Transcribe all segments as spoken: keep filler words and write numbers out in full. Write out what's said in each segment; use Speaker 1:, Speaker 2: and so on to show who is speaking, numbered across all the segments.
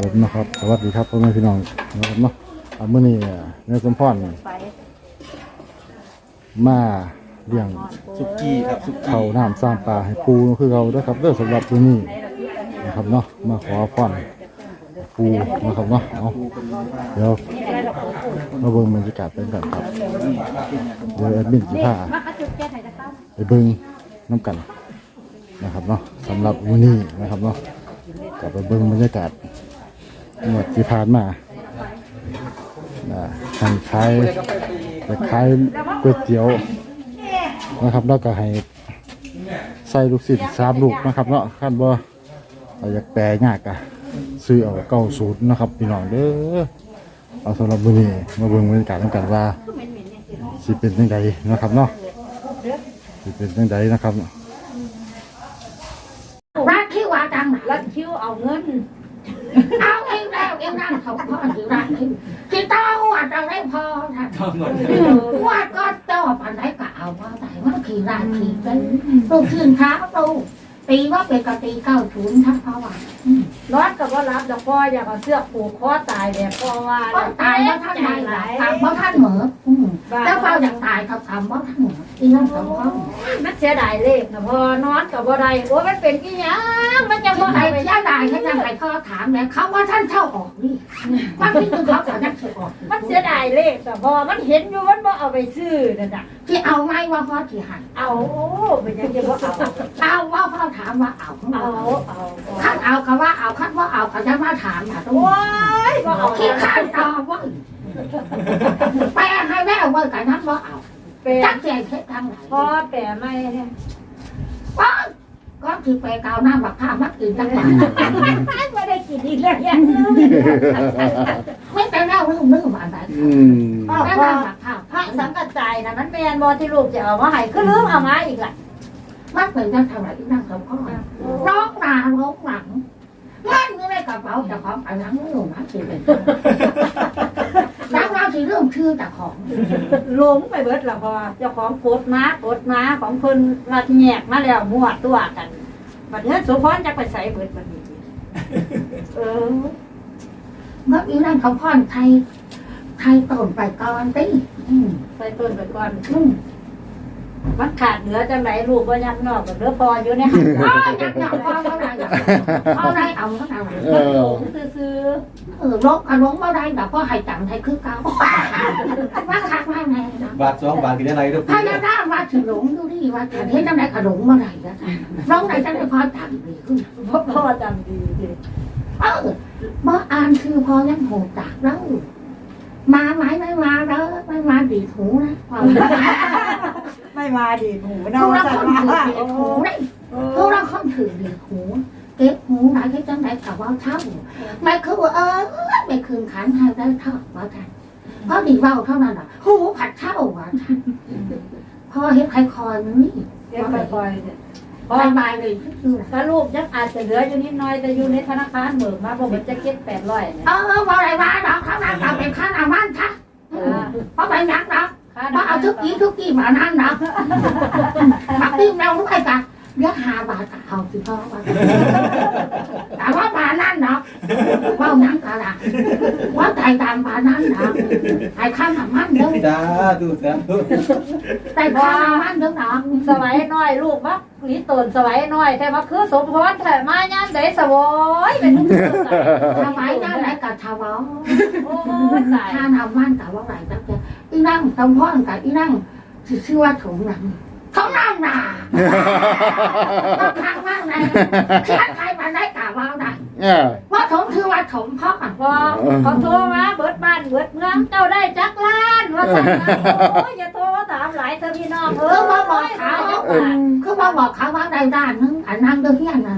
Speaker 1: ผมนะครับสวัสดีครับพ่อแม่พี่น้องนะครับเนาะเมื่อนี้เนี่ยสมพรมาเลี้ยง
Speaker 2: สุกี้ครับสุกี้
Speaker 1: เขาน้ำสร้างปลาให้ปูคือเราด้วยครับเรื่องสำหรับตัวนี้นะครับเนาะมาขอพรปูนะครับเนาะเอาเดี๋ยวมาเบิ่งบรรยากาศเป็นกันครับเดี๋ยวแอดมินจะพาไปเบิ่งน้ำกันนะครับเนาะสำหรับวันนี้นะครับเนาะกลับไปเบิ่งบรรยากาศเมื่อที่ผ่านมาทางขายจะขายก๋วยเตี๋ยวนะครับแล้วก็ให้ใส่ลูกศิษย์สามลูกนะครับเนาะขั้นบ่อยากแปลยากอะซื้อเอาเก้าสูตรนะครับพี่น้องเด้อเอาสำหรับวันนี้มาเบิ่งบรรยากาศกันว่าสิเป็นยังไงนะครับเนาะสิเป็นยังไงนะครับ
Speaker 3: รักคิวว่าจัง
Speaker 4: รั
Speaker 3: รัก
Speaker 4: ดคิ้วเอาเงิน
Speaker 3: เอาเองแล้วเองนั่งเขาพ่อถือรักคิวที่เต้าว่าจะได้พอท่านว่าก็เจ้าปันไหนก็เอาว่าแต่ว่าขี่รักขี่เป็นลูกชื่นเท้าตูตีว่าเป็นกะตีเก้าศูนย์ทั้งพ่อว่า
Speaker 4: ร้อนกับว่ารับแล้วพ่ออยากเอาเสื้อผูกคอตายแบบพ่อว่า
Speaker 3: ก็ตายเพราะท่านไหนทำเพราะท่านเหมือแล้วเฝ้าอยากตายเขาทำเพราะท่านเหมือที่นั่นสองข้อ
Speaker 4: มันเสียดายเลขนะพ่อนอนกับบ่ได้โอ้มันเป็นกี่ยังมันจะบ่
Speaker 3: ไอ้
Speaker 4: ได้
Speaker 3: เสียดายเขาจะให้พ่อถามเนี่ยเขาว่าท่านเช่าออกนี่ว่าที่คือเขาจะนักเสียออก
Speaker 4: มันเสียดายเลขแต่พ่อมันเห็นอยู่มันบ่เอาไปซื้อนั่นน่ะ
Speaker 3: ที่เอาไหมว่าพ่อที่หัน
Speaker 4: เอาโอ้เป็นยังจะบ่เอา
Speaker 3: เอาว่าพ่อถามว่าเอา
Speaker 4: เอาเอา
Speaker 3: คัดเอาก็ว่าเอาคัดว่าเอาก็จะมาถามนะตัว
Speaker 4: โอ้ยบ่เอา
Speaker 3: ขี้ข้านตอว่าแปลให้แม่ว่ากันนั้นว่าเอา
Speaker 4: แปล
Speaker 3: จักเสียเท็จทางไหน
Speaker 4: พ่อแปลไม่เนี่ย
Speaker 3: ว่าก็คือแปลกาวหน้าบักผ้ามักอื่นจังหวะ
Speaker 4: ไม่ได้กินอีกแล้วเนี่ย
Speaker 3: ไม่แต่เล่าเรื่องเรื่องอะไร
Speaker 1: อืม
Speaker 4: พ่อ
Speaker 3: แต่
Speaker 4: พ่อ
Speaker 3: หน้าบักผ้า
Speaker 4: พระสังกัดใจนะมันแมนบอที่ลูกจะเอามาให้คือลืมเอามาอีกแหละ
Speaker 3: มักเป็นจังทำอะไรที่นั่งสองข้อร้องหนาร้องหลังเงินอยู่ในกระเป๋าแต่ของไปหลังไม่ลงนะสิเป็นแล้วเราสิเรื่องชื่อแต่ของ
Speaker 4: ลงไปเบิดละพอเจ้าของโคตรม้าโคตรม้าของเพิ่นรัดแยกมาแล้วมั่วตัวกันบัดนี้สุพรจะไปใส่เบิดบัดนี้เออ
Speaker 3: เมื่อกี้นั่นเขาพ่อนไทยไทยต้นไปก่อนตี
Speaker 4: ใส่ต้นไปก่อน
Speaker 3: อืม
Speaker 4: มันขาดเหลือจังไหนลูกว่ายักนอกกับเหลือพออยู่เนี่ย
Speaker 3: อ๋อยักษ์หนักพ่อเท่าไหร่เอาได้เอาเท่าไหร่
Speaker 1: เออ
Speaker 4: ซื้อ
Speaker 3: เออลกขนมมาได้แต่พ่อให้จังไทยคือเก่าว่าคักว่าไงนะ
Speaker 2: บาทสองบาทกินได้ไรทุก
Speaker 3: ถ้าจะได้ว่าถือหลงดูดิว่าจะเห็นจังไหนขนมมาได้นะน้องไหนจะได้พอจังดีขึ้น
Speaker 4: พ่อพ่อจำดีสิ
Speaker 3: เออเมื่ออ่านคือพอยังโหดจากแล้วมาไหมไม่มาเด้อไม่มาดีหูนะพอ
Speaker 4: ไม่มาดีหมู
Speaker 3: พ
Speaker 4: นอ
Speaker 3: วกเรา
Speaker 4: สั
Speaker 3: คน
Speaker 4: น
Speaker 3: ถือ
Speaker 4: ว่า
Speaker 3: ดีหูนี่พวกเราคนถือดีหูเก็บหูไหนที่จังไหนกับว่าเท่าไม่คือว่าเออไม่คืนขันให้ได้เท่าว่าท่านเพราะดีเบาเท่านั้นอ่ะหูผัดเท่าว่าท่านพอเห็นใครคอยมันนี่
Speaker 4: เรียกไปๆเนี่ย
Speaker 3: พอมาเลยคือ
Speaker 4: ถ้าลูกยังอาจจะเหลืออยู่นิดหน่อยแต่อยู่ในธนาคารเบิกมาบอกว่าจะเก็บแปดร้อยเนี่ย
Speaker 3: เออว่าอะไรวะดอกข้างหน้าเราเป็นข้างหน้ามันค่ะเพราะไปนักดอกเพราะเอาทุกกี้ทุกกี้มานั่นดอกมาปิ้งเราด้วยกันเดี๋ยวหาบาทเอาสิพ่อว่าแต่ว่าบานั่นดอกว่านังกะละว่าใจดำบานั่นดอกไอ้ข้างหน้ามันเด้อ
Speaker 2: จ้าดูจ้าดู
Speaker 3: แต่ข้างหน้ามันเด้อดอก
Speaker 4: สมัยน้อยลูกมักลีตนสมัยน้อยแต่ว่าคือสมพรแต่มาย่านใดสวอยเป็นทุกข์
Speaker 3: ทำไมนั่นไหนกับชาวบ้าน
Speaker 4: โอ้ยตาย
Speaker 3: ถ้าทำมันกับว่าไหนจังจะอีนั่งตำพ่อกับอีนั่งชื่อว่าถงหนังเขานั่งหนาบางครั้งมากเลยเขียนใครมาได้กล่าวว่าได้
Speaker 1: เนี่ย
Speaker 3: ว่าถมคือว่าถมพ่อ
Speaker 4: พอเขาโทรมาเบิดบ้านเบิดเมืองเจ้าได้จักล้านว่าสั่งมาโอ้ยอย่าโทรถามหลายเธอพี่น้องเอ
Speaker 3: คือ อว่าบอกเขาคือว่าบอกเขาว่าได้ด้านนึงอันนั่งเดือดนั่น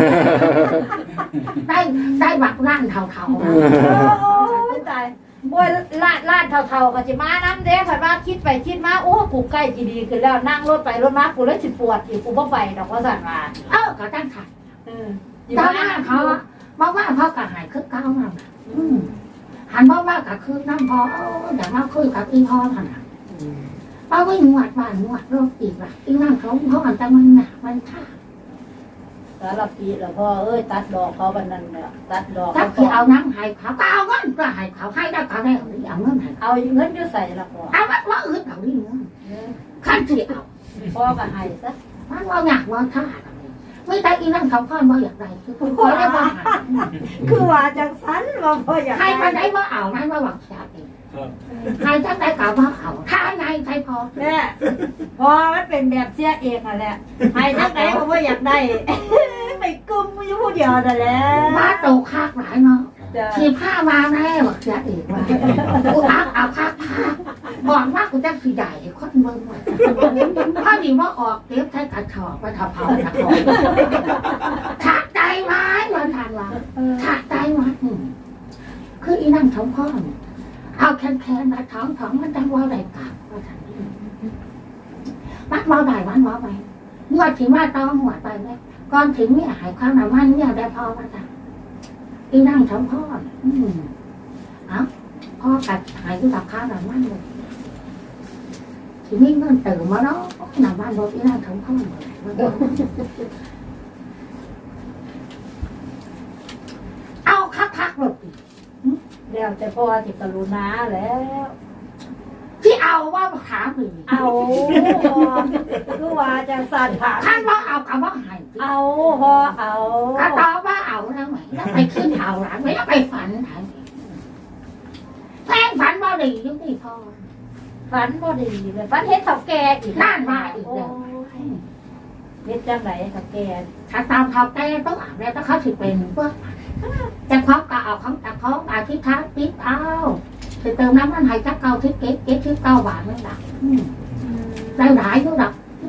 Speaker 3: ได้ได้บักล้านเท่า
Speaker 4: โอ้ยตายโอ้ยลาดลาดเท่าๆก็จะมาน้ำเด้ผัดว่าคิดไปคิดมาโอ้กูใกล้จีดีขึ้นแล้วนั่งรถไปรถมากูเลยสิปวดอีกกูบ่ไปดอกว่าสั่นมา
Speaker 3: ๆเออก็ตั้งขัด
Speaker 4: เออ
Speaker 3: ตอนนั้นเขาบอกว่าพ่อกับหายคือเก้านั่นหันบอกว่ากับคือน้ำพอเดี๋ยวมาคุยกับอีพ่อขนาดป้าวิ่งหวดบ้านหวดโรคอีกว่ะอีนั่งเขาพ่อกันแต่มันหนักมันท่า
Speaker 4: สารพีแล้วพ่อเอ้ยตัดดอกเขาบันนั้นเนี่ยตัดดอก
Speaker 3: ถ้าที่เอาน้ำให้เขาก็เอาเงินก็ให้เขาให้ได้ก็ได้เอาเอาเงินให้
Speaker 4: เอาเงินอยู่ใส่ละพ่อ
Speaker 3: เอาว่าว่าอื่นเอาดิเงินขั้นที่เอา
Speaker 4: พ่อก็ให้ซะ
Speaker 3: มันว่าอยากว่าท่าไม่ได้อีนั่งเขาข้อนว่าอยากได้คือคุณขอได้ว่า
Speaker 4: คือว่าจังสันว่าพ่ออยาก
Speaker 3: ใครมาได้ว่าเอานั่นว่าหวังชาติใครจังได้กล่าวว่าเอาท่าไงใครพอ
Speaker 4: แม่พอมันเป็นแบบเสียเองอ่ะแหละให้จังไหนก็บ่อยากได้ไปกุมอยู่ผู้เดียวนั่นแหละ
Speaker 3: มาโตคากหลายเนาะ
Speaker 4: จ้ะ
Speaker 3: ทีผ้ามาแน่หวังชาติอีกว่ากูอักเอาคากผ้าบอกว่ากูจะสีใหญ่คนเมืองถ้าดีว่าออกเก็บใช้กระชอกไปทำเผากระชอกขาดใจไหมวันทานว่าขาดใจไหมคืออีนั่งท้องพ่อเอาแคนแคนมาท้องท้องมันดังว่าอะไรกลับว่าทานมัดว่าได้มันว่าไปเมื่อถึงว่าต้องหัวไปไหมก่อนถึงเนี่ยหายความหนามันเนี่ยได้พอว่าทานอีนั่งท้องพ่ออืมเอาพ่อกัดหายด้วยราคาหนามันเลยทีนี้เงินเติมมาเนาะหนามันบอกอีนั่งท้องพ่อเอาคักๆหมด
Speaker 4: แล้วแต่พ่อสิกรุณาแล้ว
Speaker 3: ที่เอาว่าขาหนึ่ง
Speaker 4: เอาคือว่าจังสันค่ะ
Speaker 3: ท่านว่าเอากับว่าหาย
Speaker 4: เอาพ่อเอา
Speaker 3: ก็ตอบว่าเอาแล้วไหมแล้วไปขึ้นเอาหลังไม่แล้วไปฝันไหนแท่งฝันว่าดียุ่งที่พ่อ
Speaker 4: ฝันบ่ดีเลยฝันเฮ็ดเฒ่าแก่อีก
Speaker 3: นั่นมาอีกแล้ว
Speaker 4: เฮ็ดจังไหนเฒ่าแก่
Speaker 3: ถ้าตามเขาแก้ต้องอ่านแล้วถ้าเขาถือเป็นพวกจะคล้องก็เอาของแต่คล้องอาทิตย์ท้าทิตย์เอาจะเติมน้ำมันให้จักเก้าทิตย์เก๊กเก๊กทิตย์เก้าบาทนั่นแหละได้หลายด้วยหรอก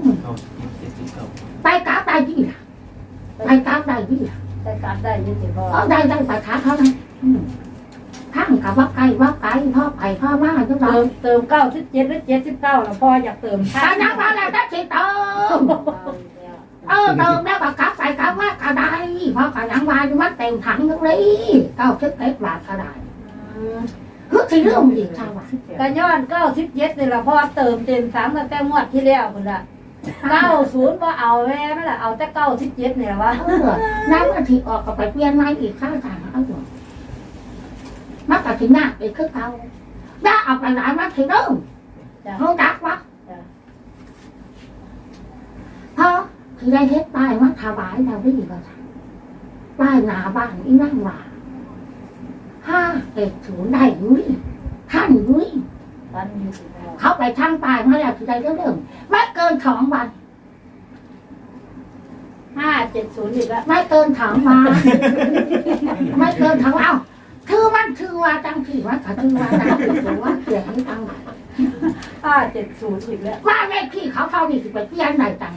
Speaker 3: ไปกราบได้ยี่ล่ะไปกราบได้ยี่ล่ะ
Speaker 4: แต่กลับได้อยี่สิพ่อ
Speaker 3: ก็ได้ได้ไปค้าเขานะทั้งกับว่าไก่ว่าไก่พ่อไก่พ่อมาทุกเรา
Speaker 4: เติมเติมเก้าสิบเจ็ดหรือเจ็ดสิบเก้าแล้วพ่ออยากเติม
Speaker 3: ตอนนั้นมาแล้วได้สิเติมเออเติมแล้วก็กลับใส่กลับว่ากระไดเพราะกระยังวายมันเต็มถังทั้งนี้เก้าสิบเอ็ดบาทกระไดคือที่เรื่องอีกใช่ไหม
Speaker 4: กันย้อนเก้าสิบเจ็ดนี่ละพ่อเติมเต็มถังตั้งแต่งวดที่แล้วคุณละเก้าศูนย์พ่อเอาแม่ไม่ละเอาแต่เก้าสิบเจ็ดนี่ละวะ
Speaker 3: เออน้ำมันถีออกก็ไปเปลี่ยนใหม่อีกข้างทางเอาอยู่มันก็ถึงหน้าไปคือเก่าได้เอาไปหลายมันถึงเริ่มเขาดักวะพอที่ได้เฮ็ดป้ายมันถวายเราได้อีกแล้วป้ายหนาบ้านอีนั่งว่าห้าเอ็ดศูนย์ได้ยุ้ยท่านยุ้ย
Speaker 4: ท่านยี่สิบพ่อ
Speaker 3: เขาไปช่างป้ายมาแล้วที่ได้เริ่มไม่เกินสองวัน
Speaker 4: ห้าเจ็ดศูนย์อีกแล้ว
Speaker 3: ไม่เกินสองวันไม่เกินสองวันเอ้าชื่อมันชื่อว่าจังที่ว่าเขาชื่อว่าจังที่หรือว่าเสียงจังไหน
Speaker 4: ห้าเจ็ดศูนย์อีกแล้ว
Speaker 3: ว่าแม่พี่เขาเข้านี่สิไปเปลี่ยนไหนจัง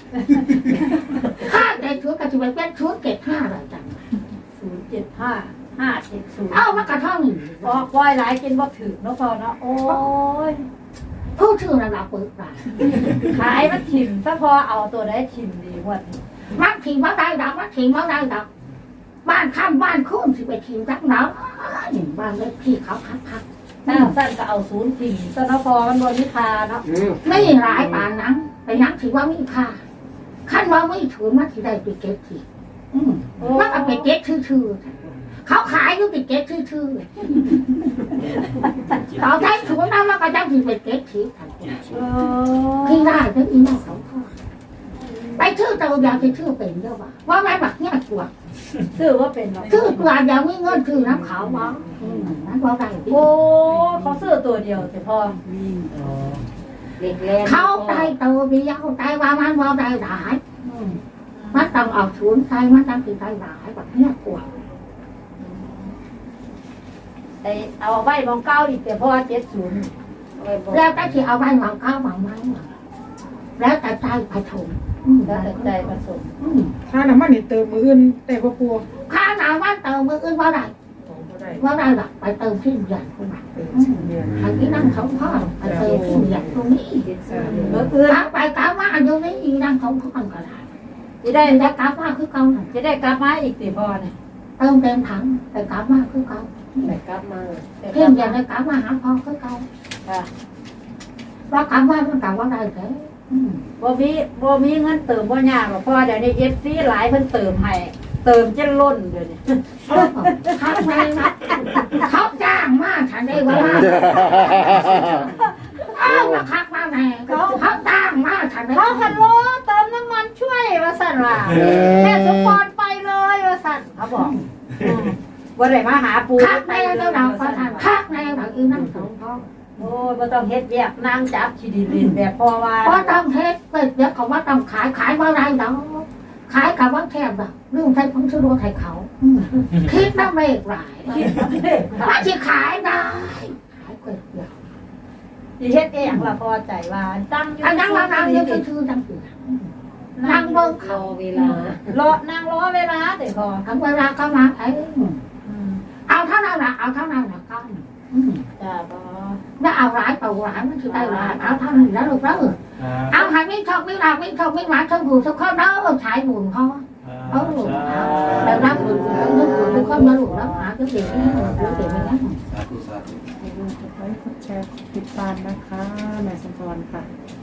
Speaker 3: ห้าเจ็ดชุดก็จะไปเปลี่ยนชุดเก็บห้าไหนจัง
Speaker 4: ศูนย์เจ็ดห้าห้าเจ็ดศูนย์
Speaker 3: เอ้ามากระท่อมนี่
Speaker 4: พอปล่อยหลายกินบ่ถึงเนาะพ่อเนาะโอ้ย
Speaker 3: ผู้ชื่อระดับเปิดปาก
Speaker 4: ขายมันถิ่มซะพอเอาตัวได้ถิ่มดีกว่า
Speaker 3: มันถิ่มว่าได้ดอกมันถิ่มว่าได้ดอกบ้านข้ามบ้านคุ้มสิไปถิ่มจักหนาวบ้านเล็กพี่เขาคักคัก
Speaker 4: ถ้าสั้นก็เอาศูนย์ถิ่มซะเนาะพอมันบนนิคาเนาะ
Speaker 3: ไม่ร้ายป่านนั้นไปนักถือว่ามีค่าขั้นว่าไม่ถือมันที่ได้ไปเก็บทีมันก็ไปเก็บชื่อๆเขาขายอยู่ไปเก็บชื่อๆต่อใจถือว่ามันก็จะถือไปเก็บทีพี่ได้ก็อีน่าสองข้อไปชื่อเจ้าอยากจะชื่อเป็นเยอะว่ะว่าแม่บักเนี่ยกลัว
Speaker 4: ชื่อว่าเป็นเนาะ
Speaker 3: ชื่อตัวอยากมีเงินชื่อน้ำขาวมั้งนั่นว่าได้
Speaker 4: โอ้เขาซื้อตัวเดียวแต่พอเล็กแรง
Speaker 3: เขาได้ตัวเดียวได้ว่ามันว่าได้หลายมันต้องเอาศูนย์ใจมันต้องถือได้หลายแบบเนี้ยกลัว
Speaker 4: ไอเอาใบมองเก้าอีกแต่พอเจ็ดศูนย์
Speaker 3: แล้วแต่ที่เอาไว้หวังข้าวหวังไม้แล้วแต่ใจผสม
Speaker 4: แล้วแต่ใจผสม
Speaker 5: ค่าน้ำมันนี่เติมมืออื่นแต่บ่ปัว
Speaker 3: ข้าหนาว่าเติมมืออื่นว่าได้
Speaker 5: บ่ได้
Speaker 3: ว่าได้หรอกไปเติมที่ใหญ่คนนั้น
Speaker 5: เติมสิเดือน
Speaker 3: อันนี้นั่งเขาพ่อไปเติมที่ใหญ่ตรงนี้
Speaker 4: เมื่อคืน
Speaker 3: กลับไปกลับมาอยู่นี่นั่งเขาพ่อก็ได้
Speaker 4: จะได้
Speaker 3: แต่กลับมาคือเก่า
Speaker 4: จะได้กลับมาอีกแต่พอเนี่ย
Speaker 3: เติมเต็มถังแต่กลับมาคือเก่า
Speaker 4: ได้กลับมาได้ก
Speaker 3: เพีย
Speaker 4: ลั
Speaker 3: ง
Speaker 4: บ
Speaker 3: อย่า
Speaker 4: มา
Speaker 3: ได้กลับมาหาพ่อคือเก่า
Speaker 4: ค่ะ
Speaker 3: ว่ากลับมามันกลับว่าได้แค่อืม
Speaker 4: บ่มีบ่มีเงินเติมบ่ยากหรอกเพราะว่าเดี๋ยวนี้ เอฟ ซี หลายเพิ่นเติมให้เติมจนล้นเดี๋ยวนี้
Speaker 3: เขาแรงนะเขาจ้างมากฉันได้ว่าเอามาคักมาแน่เขาเขาจ้างมากฉันได้
Speaker 4: เขาคันโลเติมน้ำมันช่วยว่าสั่นว่าแม่สมพรไปเลยว่าสั่นเขาบอกอืมบ่ได้มาหาปู
Speaker 3: คักแน่เจ้าดาวเขาทานคักแน่แบบอีนั่งสองเขา
Speaker 4: โอ้ยบ่ต้องเฮ็ดแยกนางจับขี้ดินเล่นแบบพอว่า
Speaker 3: เพราะต้องเฮ็ดเกิดเดี๋ยวเขาว่าต้องขายขายว่าไรเนาะขายกับว่าแคบแบบเรื่องใช้ของชื่อรู้ไทยเขาอืมคิดน้ำเมฆหลาย
Speaker 4: คิดว่าเด้
Speaker 3: ว่าจะขายได้ขายเกิดเดียว
Speaker 4: สิเฮ็ดเองล่ะพอใจว่าตั้งอยู่
Speaker 3: อันนั้นเรานั่งเยอะชื่อตั้งอยู่นั่งเบิ่งเขาเวลาร
Speaker 4: อนั่งรอเวลาเด้อพอ
Speaker 3: ทั้งเวลาเขามาไอ้
Speaker 4: อืม
Speaker 3: เอาเท่านั้นละเอาเท่านั้นละก็อืม
Speaker 4: จ้าพอ
Speaker 3: แล้วเอาหลายตัวหลายมันคือได้หลายเอาเท่านั้นแล้วลูกแล้วเอาให้ไม่ชอบไม่รักไม่ชอบไม่หวานชอบหูชอบข้าวแล้วใช้บุญเขาเอาลูกแต่รับบุญแล้วนึกบุญทุกคนมาลูกแล้วหาก็เสียไม่หมดแล้วเสียไม่ได้
Speaker 2: สาธุสาธุ
Speaker 5: อย่าลืมกดไลค์กดแชร์ติดตามนะคะแม่สมพรค่ะ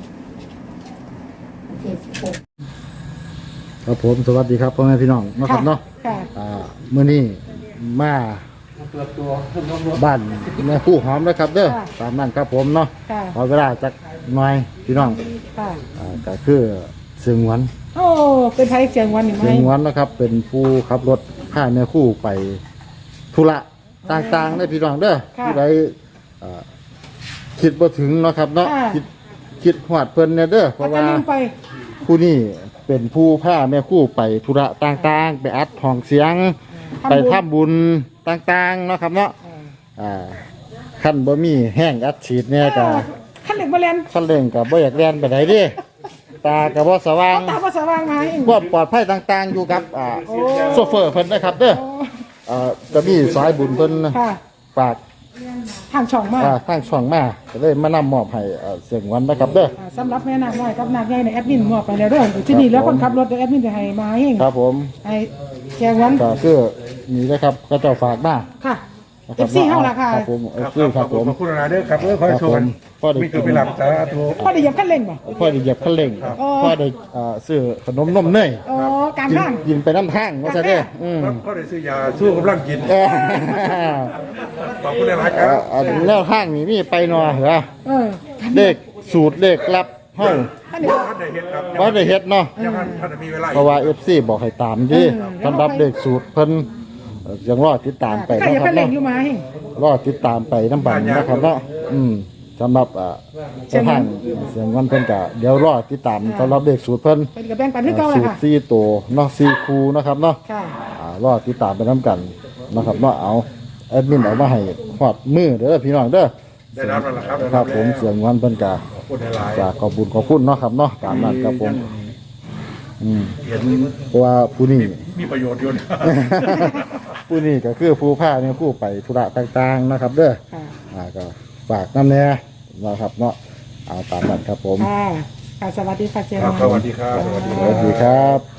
Speaker 3: เจ็ดสิบหก
Speaker 1: ครับผมสวัสดีครับพ่อแม่พี่น้องนะครับเนาะ
Speaker 5: ค่ะ
Speaker 1: อ่ามื้อนี้มา
Speaker 2: ตัวตัวขึ้นรถ
Speaker 1: บ้านแม่ผู้หอมนะครับเด้อตามนั้นครับผมเนาะ
Speaker 5: ค่ะ
Speaker 1: ขอเวลาจักหน่อยพี่น้อง
Speaker 5: ค่ะ
Speaker 1: อ่าก็คือเสียงหวน
Speaker 5: โอ้เป็นไทยเสียงวันหนึ่งไหม
Speaker 1: เสียงหวนนะครับ เป็นผู้ขับรถพาแม่คู่ไปธุระต่างๆได้อพี่น้องเด้อผู้ใดอ่าคิดบ่ถึงเนาะครับเนาะคิดคิดฮอดเพิ่นเนี่ยเด้อเพ
Speaker 5: แล้ว
Speaker 1: ราะ
Speaker 5: ก็
Speaker 1: ว่า
Speaker 5: ลืมไป
Speaker 1: ผู้นี้เป็นผู้พาแม่คู่ไปธุระต่างๆ ไปอัดห้องเสียง ไปทำบุญต่างๆเนาะครับเนาะอ่าขั้นบ่มีแห้งอัดฉีดเนี่ยก็
Speaker 5: ขั้นเหล็กมาเรียน
Speaker 1: ขั้นเร่งก็บ่อยากเรียนไปไหนเดิตาก็บ่สว่าง
Speaker 5: ตาภาษาว่างมาเอง
Speaker 1: ความปลอดภัยต่างๆอยู่กับอ่าโซเฟอร์เพิ่นนะครับเด้ออ่าก็มีสายบุญเพิ่น
Speaker 5: ค่ะ
Speaker 1: ฝาก
Speaker 5: ทางช่องมาก
Speaker 1: อ่าทางช่องมาก็เลยมานำมอบให้อ่าเสียงหวันนะครับเด้อ
Speaker 5: สำหรับแม่นางน้อยกับนางใหญ่ในแอดมินมอบไปแล้วเด้อที่นี่แล้วคนขับรถเดี๋ยวแอดมินจะให้มาเอง
Speaker 1: ครับผม
Speaker 5: ให้แจกวัน
Speaker 1: ก็คือนี่นะครับก็เจ้าฝากมา
Speaker 5: ค่ะ
Speaker 1: นะค
Speaker 5: เอ
Speaker 1: รับ
Speaker 5: ฟซีเฮาล่ะค่ะ
Speaker 1: ครับผมเอ
Speaker 6: ครับ
Speaker 1: ฟซีครับผม
Speaker 6: ขอบคุณนะเด้อครับเออขอ
Speaker 1: ค
Speaker 6: ให้
Speaker 1: รับ
Speaker 6: โช
Speaker 1: ผ
Speaker 6: ว์กั
Speaker 1: ม
Speaker 6: น
Speaker 1: พ่อได้
Speaker 6: มี
Speaker 1: กิ
Speaker 6: ตัวน ไปหลับสาธุ
Speaker 5: พอได้เหยียบขั้นเร่งบ่
Speaker 1: พ่อได้เหยียบคันเร่ง
Speaker 5: อ๋อ
Speaker 1: พ่อได้อ่าซื้อขนมนมเนย
Speaker 5: อ๋อการ
Speaker 1: กิน
Speaker 5: ข้าง
Speaker 1: กินไปน้ำทางว่าซะเด้ออืม
Speaker 6: ก็ได้ซื้อยาสู้กำลังกิน
Speaker 1: เออ
Speaker 6: ขอบคุณหลายๆครับ
Speaker 1: อันแนวทางนี้มีไปหนอเหรอ
Speaker 5: เออ
Speaker 1: เด็กสูตรเด็กลับเฮา
Speaker 5: ท่านนี้
Speaker 6: ท่านได้เห็นครับ
Speaker 1: บ่ได้เฮ็ดเนาะ
Speaker 6: ยังท่านท่านมีเวลา
Speaker 1: เพราะว่า เอฟ ซี บอกให้ตามดิสำหรับเด็กสูตรเพิ่นเอ่อยังรอติดตามไป
Speaker 5: ใคร
Speaker 1: นะ
Speaker 5: เหยียบ
Speaker 1: ครั
Speaker 5: ขั้
Speaker 1: บ
Speaker 5: นเร่ง
Speaker 1: เนาะ
Speaker 5: อยู่มาเอง
Speaker 1: รอติดตามไปน้ำบันนะครับเนาะอืมสำหรับอ่าเจ้าทางเสียงวันเพิ่นก็เดี๋ยวรอติดตามสำหรับเด็กสูตรเพิ่น
Speaker 5: เป็นกับแบ่งปันที่เก่าเล
Speaker 1: สู
Speaker 5: ย
Speaker 1: ตร
Speaker 5: ค่ะ
Speaker 1: สี่ตัวเนาะสี่คู่นะครับเนาะ
Speaker 5: ค่ะ
Speaker 1: อ่ารอติดตามไปน้ำกันนะครับเนาะเอาแอดมินเอามาให้ฮอดมือเด้อพี่น้องเด้อ
Speaker 6: ได้รับแล้วล่ะครับ
Speaker 1: ครับผมเสียงวันเพิ่นก็
Speaker 6: ขอบคุณหลาย
Speaker 1: จะขอบบุญขอบคุณเนาะครับเนาะตามนั้นครับผมอืม
Speaker 6: ๆเห็น
Speaker 1: เพราะว่าผู้นี้
Speaker 6: มีประโยชน์อยู่นะ
Speaker 1: ผู้นี้ก็คือผู้พาเนี่ยผู้ไปธุระต่างๆนะครับ เด้อ
Speaker 5: ค่ะ
Speaker 1: อ่าก็ฝากน้ำแน่นะครับเนาะเอาตามนั้นครับผม
Speaker 5: ค่ะค่ะสวัสดีค่ะเจ
Speaker 6: ครับ
Speaker 5: มา
Speaker 6: สวัสดีครับสวัสดี
Speaker 1: ส
Speaker 6: ครั
Speaker 1: วัส
Speaker 6: บ
Speaker 1: ดีครับ